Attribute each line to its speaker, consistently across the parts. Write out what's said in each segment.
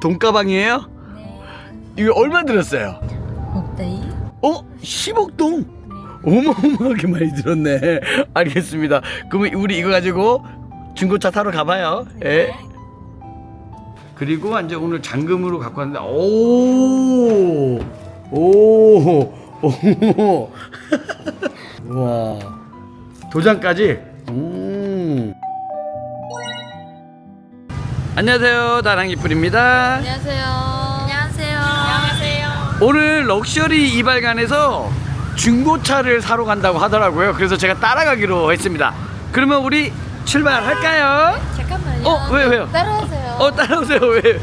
Speaker 1: 돈가방이에요?
Speaker 2: 네.
Speaker 1: 이거 얼마 들었어요?
Speaker 2: 1대
Speaker 1: 10억 동? 어마어마하게 많이 들었네. 알겠습니다. 그러면 우리 이거 가지고 중고차 사러 가봐요. 예. 그리고 이제 오늘 잔금으로 갖고 왔는데, 오, 와, 도장까지. 안녕하세요, 다랑이뿔입니다.
Speaker 2: 안녕하세요. 안녕하세요. 안녕하세요.
Speaker 1: 오늘 럭셔리 이발관에서 중고차를 사러 간다고 하더라고요. 그래서 제가 따라가기로 했습니다. 그러면 우리 출발할까요?
Speaker 2: 잠깐만요.
Speaker 1: 왜요?
Speaker 2: 따라오세요.
Speaker 1: 따라오세요. 왜?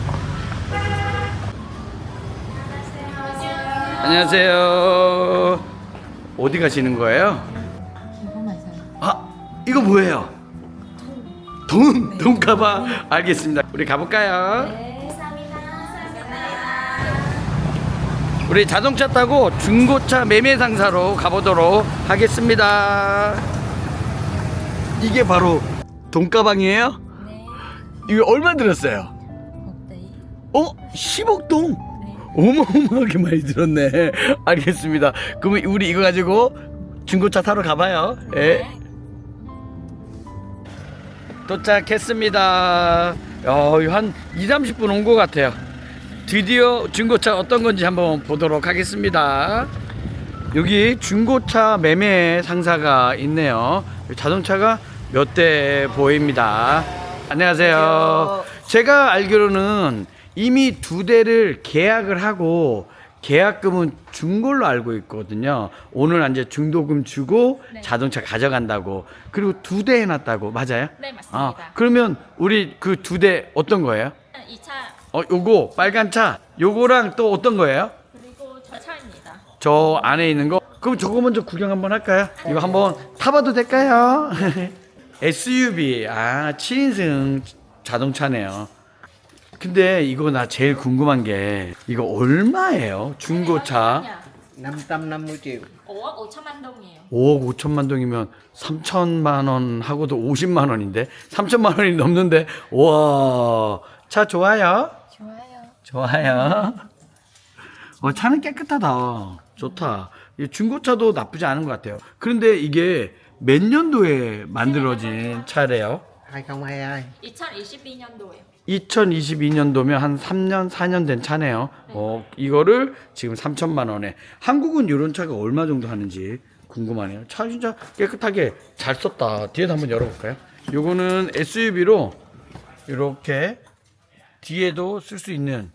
Speaker 1: 안녕하세요. 어디 가시는 거예요?
Speaker 2: 이거만 사요.
Speaker 1: 아, 이거 뭐예요? 돈 가방. 알겠습니다. 우리 가볼까요?
Speaker 2: 네, 감사합니다.
Speaker 1: 우리 자동차 타고 중고차 매매 상사로 가보도록 하겠습니다. 이게 바로 돈 가방이에요?
Speaker 2: 네.
Speaker 1: 이거 얼마 들었어요? 10억 동?
Speaker 2: 네.
Speaker 1: 어마어마하게 많이 들었네. 알겠습니다. 그러면 우리 이거 가지고 중고차 타러 가봐요. 예. 도착했습니다. 한 20-30분 온 것 같아요. 드디어 중고차 어떤 건지 한번 보도록 하겠습니다. 여기 중고차 매매 상사가 있네요. 자동차가 몇 대 보입니다. 안녕하세요. 제가 알기로는 이미 2대를 계약을 하고 계약금은 준 걸로 알고 있거든요. 오늘 이제 중도금 주고
Speaker 2: 네.
Speaker 1: 자동차 가져간다고. 그리고 2대 해놨다고. 맞아요?
Speaker 2: 네, 맞습니다.
Speaker 1: 그러면 우리 그 2대 어떤 거예요?
Speaker 2: 이 차
Speaker 1: 요거 빨간 차. 요거랑 또 어떤 거예요?
Speaker 2: 그리고 저 차입니다.
Speaker 1: 저 안에 있는 거. 그럼 저거 먼저 구경 한번 할까요? 이거 한번 타봐도 될까요? SUV 7인승 자동차네요. 근데 이거 나 제일 궁금한 게 이거 얼마예요? 중고차
Speaker 3: 550 triệu.
Speaker 2: 5억 5천만 동이에요.
Speaker 1: 5억 5천만 동이면 3천만 원 하고도 50만 원인데 3천만 원이 넘는데. 와, 차 좋아요?
Speaker 2: 좋아요.
Speaker 1: 차는 깨끗하다. 좋다. 이 중고차도 나쁘지 않은 것 같아요. 그런데 이게 몇 년도에 만들어진 차래요?
Speaker 3: 2022.
Speaker 2: 2022년도에요.
Speaker 1: 2022년도면 한 3년, 4년 된 차네요. 이거를 지금 3천만 원에. 한국은 이런 차가 얼마 정도 하는지 궁금하네요. 차 진짜 깨끗하게 잘 썼다. 뒤에도 한번 열어볼까요? 요거는 SUV로 이렇게 뒤에도 쓸 수 있는.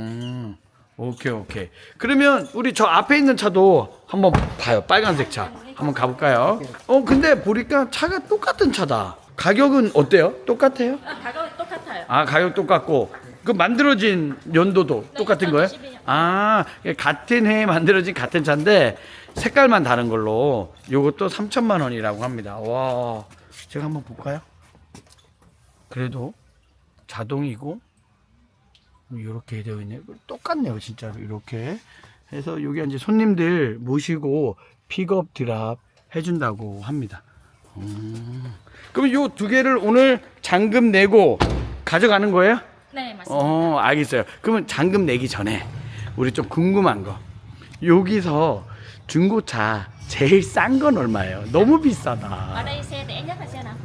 Speaker 1: 오케이. 그러면 우리 저 앞에 있는 차도 한번 봐요. 빨간색 차. 한번 가볼까요? 근데 보니까 차가 똑같은 차다. 가격은 어때요? 똑같아요?
Speaker 2: 가격이 똑같아요.
Speaker 1: 가격 똑같고 그 만들어진 연도도
Speaker 2: 네,
Speaker 1: 똑같은 거예요?
Speaker 2: 2022년.
Speaker 1: 같은 해에 만들어진 같은 차인데 색깔만 다른 걸로 요것도 3천만 원이라고 합니다. 와, 제가 한번 볼까요? 그래도 자동이고 이렇게 되어 있네요. 똑같네요, 진짜로. 이렇게 해서 여기 이제 손님들 모시고 픽업 드랍 해준다고 합니다. 그럼 요 2개를 오늘 잔금 내고 가져가는 거예요?
Speaker 2: 네, 맞습니다.
Speaker 1: 알겠어요. 그러면 잔금 내기 전에 우리 좀 궁금한 거. 여기서 중고차 제일 싼 건 얼마예요? 너무 비싸다.
Speaker 2: Ở đây xe rẻ nhất là xe nào?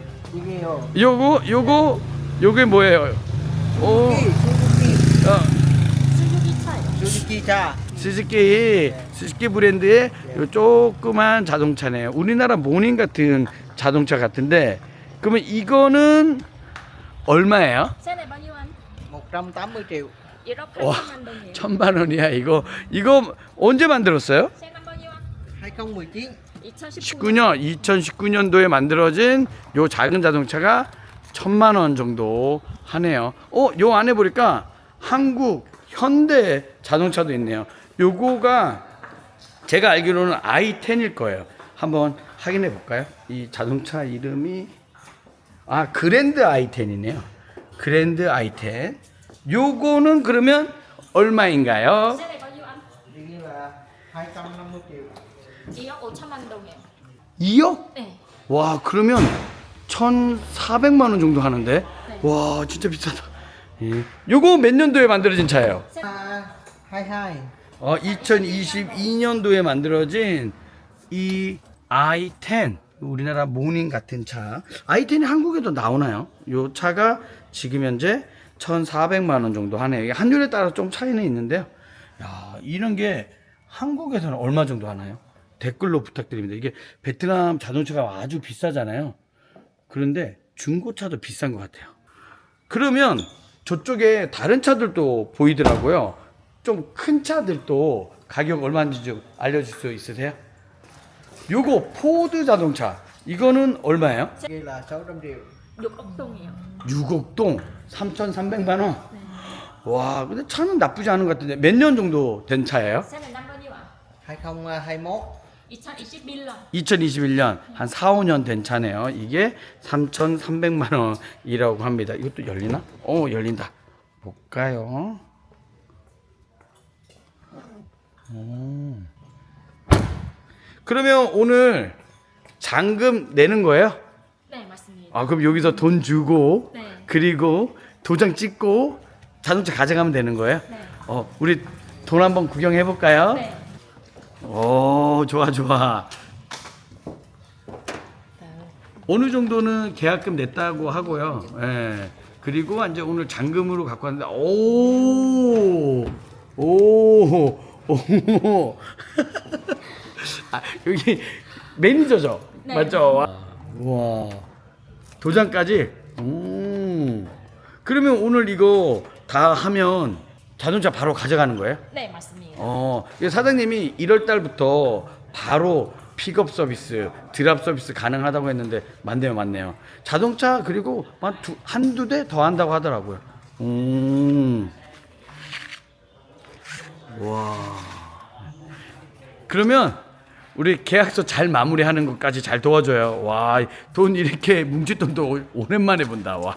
Speaker 3: 이게요.
Speaker 1: 요게 뭐예요?
Speaker 2: 수주기 차예요.
Speaker 3: 수즈키 차.
Speaker 1: 스즈키 브랜드의 요 조그만 자동차네요. 우리나라 모닝 같은 자동차 같은데, 그러면 이거는 얼마예요?
Speaker 2: Xe này bao nhiêu anh?
Speaker 3: 180 triệu.
Speaker 2: 1억
Speaker 1: 와,
Speaker 2: 8천만 동이에요.
Speaker 1: 1,000만 원이야. 이거 언제 만들었어요?
Speaker 2: xe năm bao nhiêu anh?
Speaker 3: 2019.
Speaker 2: 2019년.
Speaker 1: 2019년도에 만들어진 요 작은 자동차가 1,000만 원 정도 하네요. 요 안에 보니까 한국 현대 자동차도 있네요. 요거가 제가 알기로는 i10일 거예요. 한번 확인해 볼까요? 이 자동차 이름이 그랜드 i10이네요. 그랜드 i10. 요거는 그러면 얼마인가요?
Speaker 2: Xe này bao nhiêu anh?
Speaker 3: 이게 250 triệu.
Speaker 2: 2억 5천만 동이에요.
Speaker 1: 2억?
Speaker 2: 네.
Speaker 1: 와, 그러면 1,400만 원 정도 하는데.
Speaker 2: 네.
Speaker 1: 와, 진짜 비싸다. 예. 요거 몇 년도에 만들어진 차예요?
Speaker 3: 22.
Speaker 1: 2022년도에 만들어진 이 i10, 우리나라 모닝 같은 차. i10이 한국에도 나오나요? 요 차가 지금 현재 1,400만 원 정도 하네요. 이게 환율에 따라 좀 차이는 있는데요. 야, 이런 게 한국에서는 얼마 정도 하나요? 댓글로 부탁드립니다. 이게 베트남 자동차가 아주 비싸잖아요. 그런데 중고차도 비싼 것 같아요. 그러면 저쪽에 다른 차들도 보이더라고요. 좀 큰 차들도 가격 얼마인지 좀 알려줄 수 있으세요? 요거 포드 자동차 이거는 얼마예요?
Speaker 3: Kia là 600 triệu.
Speaker 2: 6억 동이요.
Speaker 1: 6억동 3,300만 원. 와, 근데 차는 나쁘지 않은 것 같은데 몇 년 정도 된 차예요?
Speaker 2: Xe này năm bao nhiêu ạ?
Speaker 3: 2021.
Speaker 2: 2021년.
Speaker 1: 2021년 한 4, 5년 된 차네요. 이게 3,300만 원이라고 합니다. 이것도 열리나? 열린다. 볼까요? 그러면 오늘 잔금 내는 거예요?
Speaker 2: 네, 맞습니다.
Speaker 1: 아, 그럼 여기서 돈 주고
Speaker 2: 네.
Speaker 1: 그리고 도장 찍고 자동차 가져가면 되는 거예요?
Speaker 2: 네.
Speaker 1: 우리 돈 한번 구경해 볼까요?
Speaker 2: 네.
Speaker 1: 오, 좋아, 좋아. 어느 정도는 계약금 냈다고 하고요. 예. 그리고 이제 오늘 잔금으로 갖고 왔는데, 오. 아, 여기 매니저죠?
Speaker 2: 네.
Speaker 1: 맞죠? 우와. 도장까지? 그러면 오늘 이거 다 하면 자동차 바로 가져가는 거예요?
Speaker 2: 네, 맞습니다.
Speaker 1: 이게 사장님이 1월 달부터 바로 픽업 서비스, 드랍 서비스 가능하다고 했는데 맞네요. 자동차 그리고 한두 대 더 한다고 하더라고요. 와. 그러면 우리 계약서 잘 마무리하는 것까지 잘 도와줘요. 와, 돈 이렇게 뭉칠 돈도 오랜만에 본다. 와.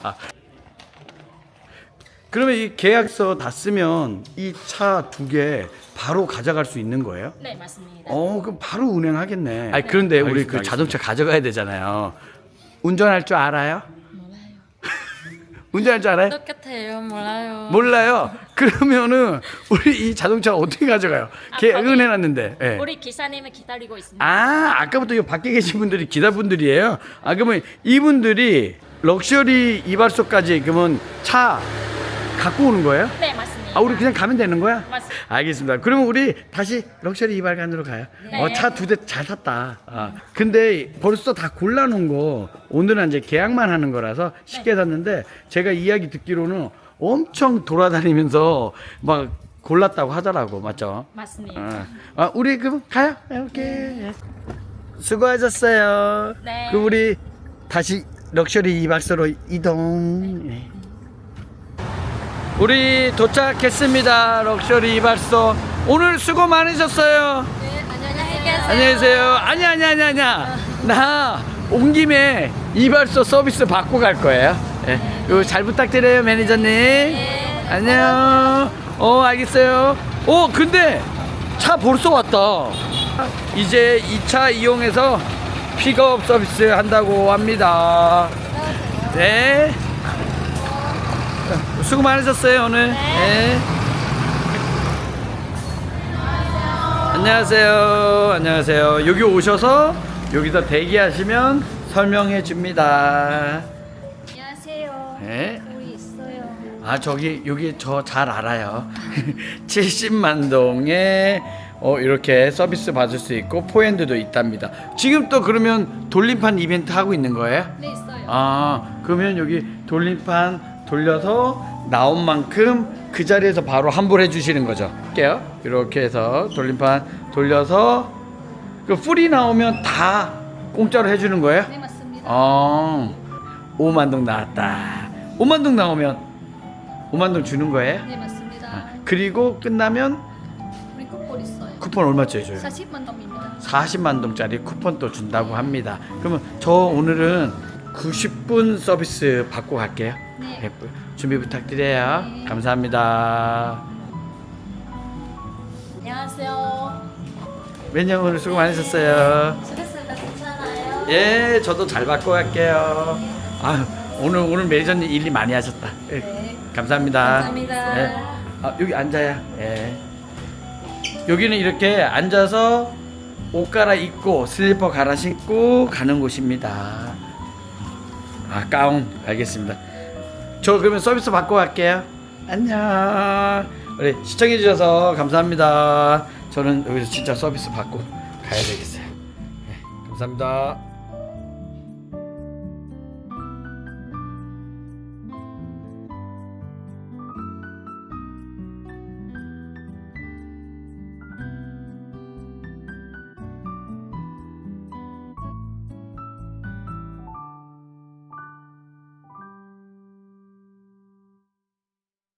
Speaker 1: 그러면 이 계약서 다 쓰면 이 차 2개 바로 가져갈 수 있는 거예요?
Speaker 2: 네, 맞습니다.
Speaker 1: 그럼 바로 운행하겠네. 아니, 그런데 우리 그 자동차 가져가야 되잖아요. 운전할 줄 알아요?
Speaker 4: 몰라요.
Speaker 1: 운전할 줄 알아요?
Speaker 4: 똑같아요. 몰라요.
Speaker 1: 몰라요. 그러면은 우리 이 자동차 어떻게 가져가요? 계약은
Speaker 2: 거기
Speaker 1: 해놨는데. 예.
Speaker 2: 우리 기사님을 기다리고 있습니다.
Speaker 1: 아까부터 이 밖에 계신 분들이 기사분들이에요. 그러면 이분들이 럭셔리 이발소까지 그러면 차 갖고 오는 거예요?
Speaker 2: 네, 맞습니다.
Speaker 1: 우리 그냥 가면 되는 거야?
Speaker 2: 맞습니다.
Speaker 1: 알겠습니다. 그러면 우리 다시 럭셔리 이발관으로 가요.
Speaker 2: 네.
Speaker 1: 차 2대 잘 샀다. 근데 벌써 다 골라놓은 거 오늘은 이제 계약만 하는 거라서 쉽게 샀는데 제가 이야기 듣기로는 엄청 돌아다니면서 막 골랐다고 하더라고. 맞죠?
Speaker 2: 맞습니다.
Speaker 1: 우리 그럼 가요. 이렇게. 수고하셨어요.
Speaker 2: 네.
Speaker 1: 그럼 우리 다시 럭셔리 이발소로 이동. 네. 우리 도착했습니다. 럭셔리 이발소. 오늘 수고 많으셨어요.
Speaker 4: 네, 안녕히 계세요.
Speaker 1: 안녕히 계세요. 아니야. 나 온 김에 이발소 서비스 받고 갈 거예요. 이거 잘 부탁드려요, 매니저님. 안녕. 알겠어요. 근데 차 벌써 왔다. 이제 이 차 이용해서 픽업 서비스 한다고 합니다. 네. 수고 많으셨어요, 오늘. 네. 안녕하세요. 여기 오셔서 여기서 대기하시면 설명해 줍니다.
Speaker 4: 안녕하세요.
Speaker 1: 네.
Speaker 4: 우리 있어요.
Speaker 1: 여기 저 잘 알아요. 70만 동에 이렇게 서비스 받을 수 있고 포핸드도 있답니다. 지금 또 그러면 돌림판 이벤트 하고 있는 거예요?
Speaker 4: 네, 있어요.
Speaker 1: 그러면 여기 돌림판 돌려서 나온 만큼 그 자리에서 바로 환불해 주시는 거죠. 할게요. 이렇게 해서 돌림판 돌려서 그 풀이 나오면 다 공짜로 해주는 거예요?
Speaker 4: 네, 맞습니다.
Speaker 1: 5만 동 나왔다. 5만 동 나오면 5만 동 주는 거예요?
Speaker 4: 네, 맞습니다.
Speaker 1: 그리고 끝나면
Speaker 4: 우리 쿠폰 있어요.
Speaker 1: 쿠폰 얼마짜리 줘요?
Speaker 4: 40만 동입니다.
Speaker 1: 40만 동짜리 쿠폰 또 준다고 합니다. 그러면 저 오늘은 90분 서비스 받고 갈게요.
Speaker 4: 네.
Speaker 1: 준비 부탁드려요.
Speaker 4: 네.
Speaker 1: 감사합니다.
Speaker 2: 안녕하세요.
Speaker 1: 매니저 오늘 수고 많으셨어요.
Speaker 4: 수고했습니다. 괜찮아요?
Speaker 1: 예, 저도 잘 받고 갈게요. 오늘 매니저님 일 많이 하셨다. 예.
Speaker 4: 네.
Speaker 1: 감사합니다.
Speaker 4: 감사합니다.
Speaker 1: 예. 아, 여기 앉아야. 예. 여기는 이렇게 앉아서 옷 갈아입고 슬리퍼 갈아 신고 가는 곳입니다. 아, 가운. 알겠습니다. 저 그러면 서비스 받고 갈게요. 안녕. 우리 시청해 주셔서 감사합니다. 저는 여기서 진짜 서비스 받고 가야 되겠어요. 네, 감사합니다.